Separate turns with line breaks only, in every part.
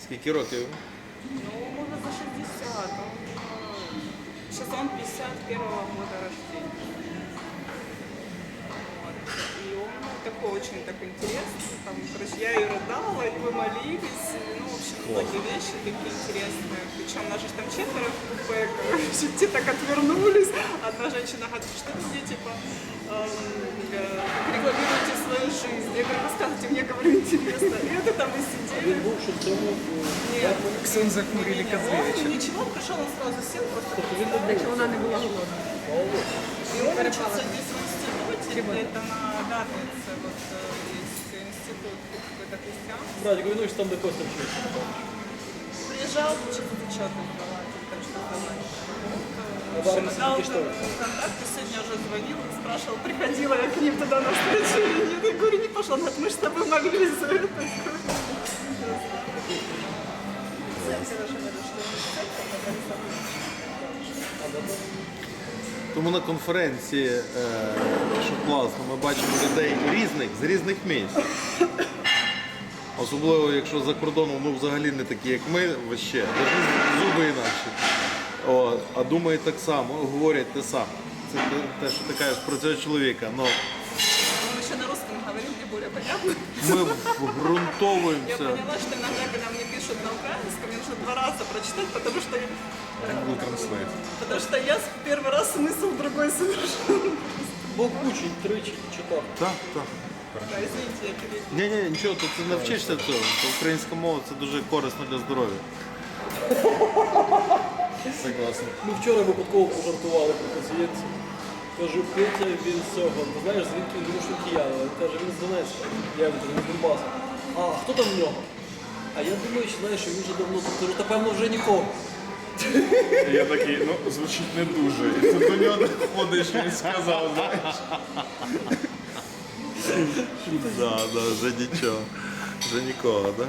Скільки років?
Ну, может, за 60. Сейчас он 51-го года рождения. Вот. И он такой очень так интересный. Там, короче, я и рыдала, и мы молились. Ну, в общем, многие вещи такие интересные. Причем нас же там 4 в купе, короче, те так отвернулись. Одна женщина говорит, что вы мне, типа, регламируете свою жизнь. Я говорю, рассказывайте, мне, говорю, интересно. И это там и сидели. Нет,
Ксенза Курили Козлевича.
он ничего, пришел, он сразу сел, просто
Так що вона не була голодна.
и он учится здесь в институте, это на Дарнице, вот есть институт какой-то христианский.
Братик, ну что там до Костя вчился?
Приезжал, учиться зачеты сдавать, или там что-то сдавать.
А Дарнице
Дал
что?
контакты, сегодня уже звонил, спрашивал, приходила я к ним туда на встречу или нет. Я говорю, не пошла, он говорит, мы же с тобой молились за это.
Тому на конференції, що класно, ми бачимо людей різних, з різних місць. Особливо, якщо за кордоном, ну взагалі не такі, як ми, вообще, навіть зуби інакші. О, а думають так само, говорять те саме. Це те, що ти кажеш про цього чоловіка. Но
Он еще на русском говорит, мне более понятно.
ми
Я
вґрунтовуємося.
поняла, что иногда, когда мне пишут на украинском, мне нужно 2 раза прочитать, потому что я первый раз смысл другой совершенно.
Бог учить, тричі читав.
Так, так.
Да, извините, я перебила.
Ні, нічого, тут ти навчишся цього. Українська мова це дуже корисно для здоров'я. Согласен.
Ми вчора випадково пожартували про пацієнтів. Кажу, Петя, він з цього, ти знаєш, звідки він що кияна. Він каже, він з Донецька. Я від Донбасу. А хто там в нього? А я думаю, що знаєш, він вже давно тут. Кажу, та певно вже нікого.
Я такий, ну, звучить не дуже. І тут до нього доходиш, він сказав, знаєш.
Да, вже нічого. Вже нікого, так?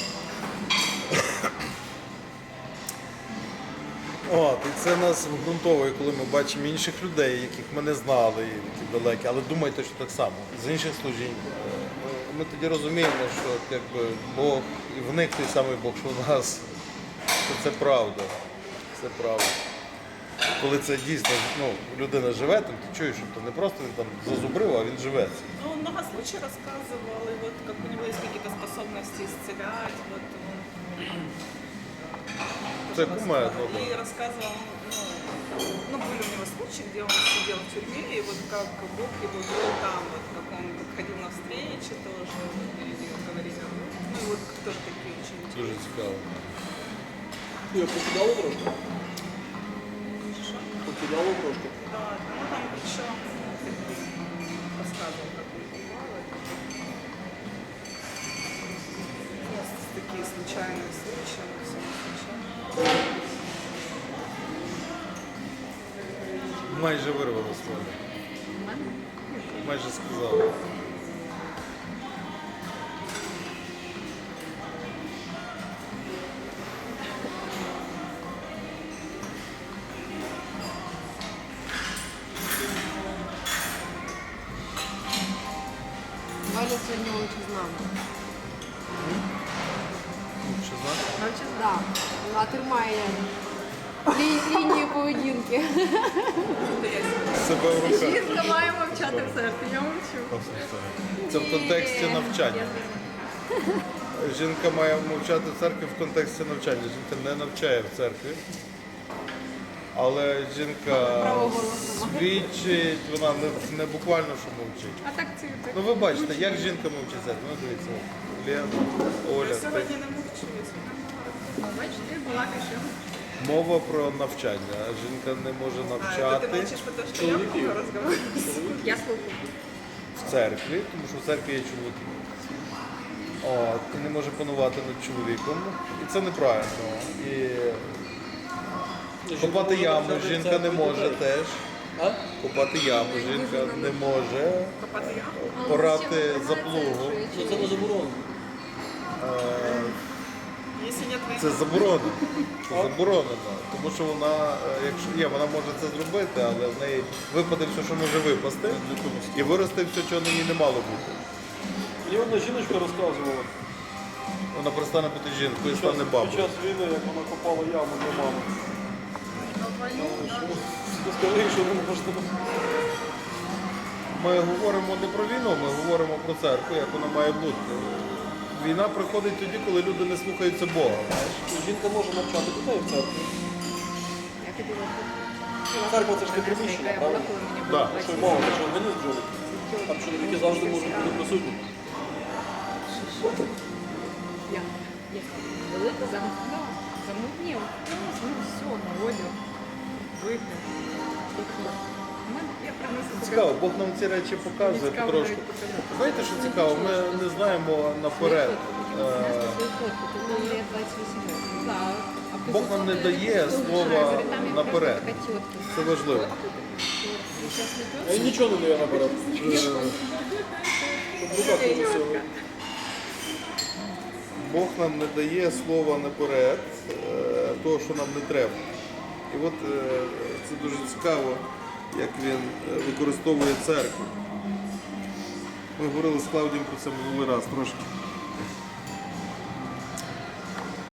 От, і це нас вґрунтовує, коли ми бачимо інших людей, яких ми не знали, які далекі, але думайте, що так само, з інших служінь. Ми тоді розуміємо, що якби, Бог, і в них той самий Бог, що в нас, що це правда. Це правда. Коли це дійсно, ну, людина живе, там, ти чуєш, що то не просто він там зазубрив, а він живе.
Ну, он много случаев рассказывал, и вот как у него есть какие-то способности исцелять, вот он
Це
тоже
кумедно,
рассказывал.
да.
И рассказывал, ну, были у него случаи, где он сидел в тюрьме, и вот как Бог его вел там, вот как он ходил на встречи тоже, вот, и говорил, ну, и вот тоже такие очень
Дуже
интересные.
цікаво.
Я покидало трошки?
Что?
Покидало трошки.
Да, ну там причем рассказывал, как он бывало. Просто такие случайные случаи, но все не случайно.
Майже вирвало слово. Майже сказав.
Валя сьогодні учить з нами.
Що знаєш?
Навчить, да. Вона тримає лінію поведінки.
Себе в руках.
Жінка має мовчати в серці, я мовчу.
Це в контексті навчання. Жінка має мовчати в церкві в контексті навчання. Жінка не навчає в церкві. Але жінка свідчить, вона не буквально що мовчить.
А так це так.
Ну ви бачите, як жінка мовчить в церкві. Ну дивіться, Лена, Оля.
Я сегодня не мовчу, я сегодня
Бачите, була каша.
Мова про навчання. Жінка не може
это ты
навчати
молчишь, потому что я много разговариваю.
Я слухаю.
в церкві, тому що в церкві є чоловіки. От, і не може панувати над чоловіком. І це неправильно. І копати яму жінка не може теж.
А?
Копати яму жінка не може.
Копати яму?
Порати за плугом.
Ну це не заборонено.
Если нет войны.
Це заборонено. Це заборонено. Тому що вона, якщо є, вона може це зробити, але в неї випаде все, що може випасти, і виросте все, чого на ній не мало бути.
Мені одна жіночка розказувала,
Вона перестане бути жінкою і стане
Під
бабою.
час війни, як вона копала яму для мами. Ти скажи, що не можна.
Ми говоримо не про війну, ми говоримо про церкву, як вона має бути. Війна приходить тоді, коли люди не слухаються Бога. Знаєш?
Жінка може навчати дітей в церкві.
Я ходила
Церква це ж не приміщення,
я була,
правильно?
коли мені
Да.
було
Що
20
й мова, це ж організм жили. Там чоловіки завжди можуть бути присутні.
Я велика замутнів. Ну все, на одяг. Вигляд. Я принесу
Цікаво, Бог нам ці речі показує потрошку. Знаєте, що цікаво? Ми не знаємо наперед. Бог нам не дає слова наперед. Це важливо.
А він нічого не дає наперед. Щоб в руках не носили.
Бог нам не дає слова наперед, того, що нам не треба. І от це дуже цікаво, як він використовує церкву. Ми говорили з Клавдієм про це минулий раз трошки.